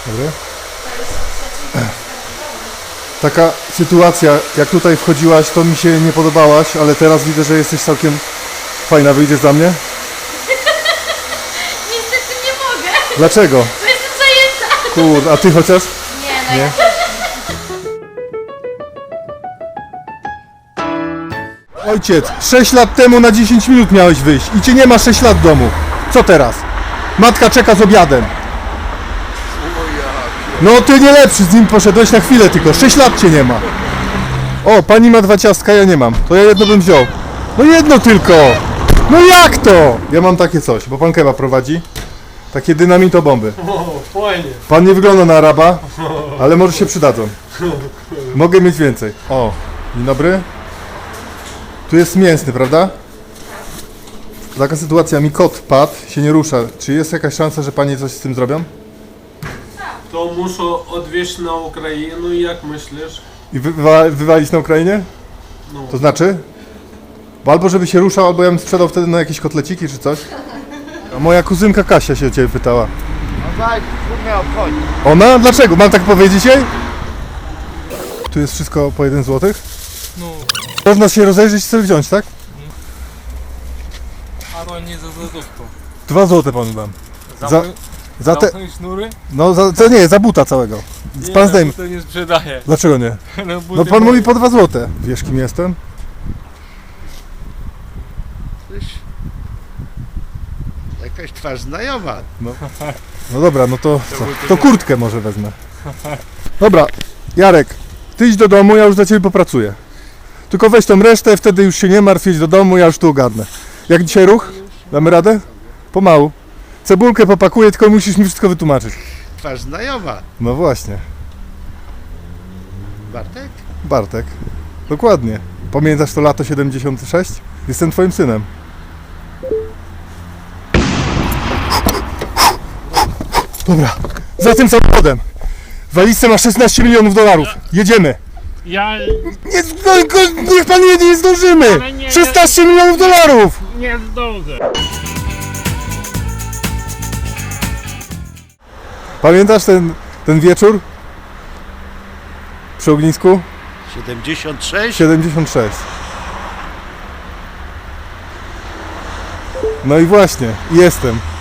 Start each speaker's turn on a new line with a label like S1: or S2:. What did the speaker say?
S1: Dobry. Taka sytuacja, jak tutaj wchodziłaś, to mi się nie podobałaś, ale teraz widzę, że jesteś całkiem fajna. Wyjdziesz za mnie?
S2: Niestety nie mogę,
S1: Dlaczego?
S2: bo jestem zajęta.
S1: Kurde, a ty chociaż?
S2: Nie, no
S1: Nie?
S2: ja
S1: Ojciec, 6 lat temu na 10 minut miałeś wyjść i cię nie ma 6 lat w domu. Co teraz? Matka czeka z obiadem. No ty nie lepszy, z nim poszedłeś na chwilę tylko, 6 lat cię nie ma. O, pani ma 2 ciastka, ja nie mam. To ja jedno bym wziął. No jedno tylko. No jak to? Ja mam takie coś, bo pan kebab prowadzi. Takie dynamito-bomby.
S3: O, fajnie.
S1: Pan nie wygląda na Araba, ale może się przydadzą. Mogę mieć więcej. O, dzień dobry. Tu jest mięsny, prawda? Taka sytuacja, mi kot padł, się nie rusza. Czy jest jakaś szansa, że panie coś z tym zrobią?
S3: To muszę odwieźć na Ukrainę, jak myślisz?
S1: I wywalić na Ukrainie?
S3: No.
S1: To znaczy? Bo albo żeby się ruszał, albo ja bym sprzedał wtedy na jakieś kotleciki czy coś. A moja kuzynka Kasia się o ciebie pytała.
S4: No tak, mnie obchodzi.
S1: Ona? Dlaczego? Mam tak powiedzieć jej? Tu jest wszystko po 1 zł?
S5: No,
S1: Można się rozejrzeć i sobie wziąć, tak?
S5: a to nie za złotówko.
S1: 2 zł panu dam. Za te...
S5: Zamknąć sznury?
S1: No to nie, za buta całego. Pan zdejmie.
S5: To nie sprzedaje.
S1: Dlaczego nie?
S5: No,
S1: No pan mówi po 2 zł. Wiesz kim jestem?
S4: Jakaś twarz znajoma.
S1: No dobra, no to co? To kurtkę może wezmę. Dobra, Jarek, ty idź do domu, ja już za ciebie popracuję. Tylko weź tą resztę, wtedy już się nie martw, idź do domu, ja już tu ogarnę. Jak dzisiaj ruch? Damy radę? Pomału. Cebulkę popakuję, tylko musisz mi wszystko wytłumaczyć.
S4: Twarz znajoma.
S1: No właśnie,
S4: Bartek?
S1: Bartek. Dokładnie. Pamiętasz to lato 76? Jestem twoim synem. Dobra, za tym samochodem. W walizce ma 16 milionów dolarów. Jedziemy.
S5: Ja
S1: Nie, niech pan jedzie, nie zdążymy.
S5: Ale nie,
S1: 16 milionów dolarów.
S5: nie zdążę.
S1: Pamiętasz ten wieczór? Przy ognisku?
S4: 76?
S1: 76. No i właśnie, jestem.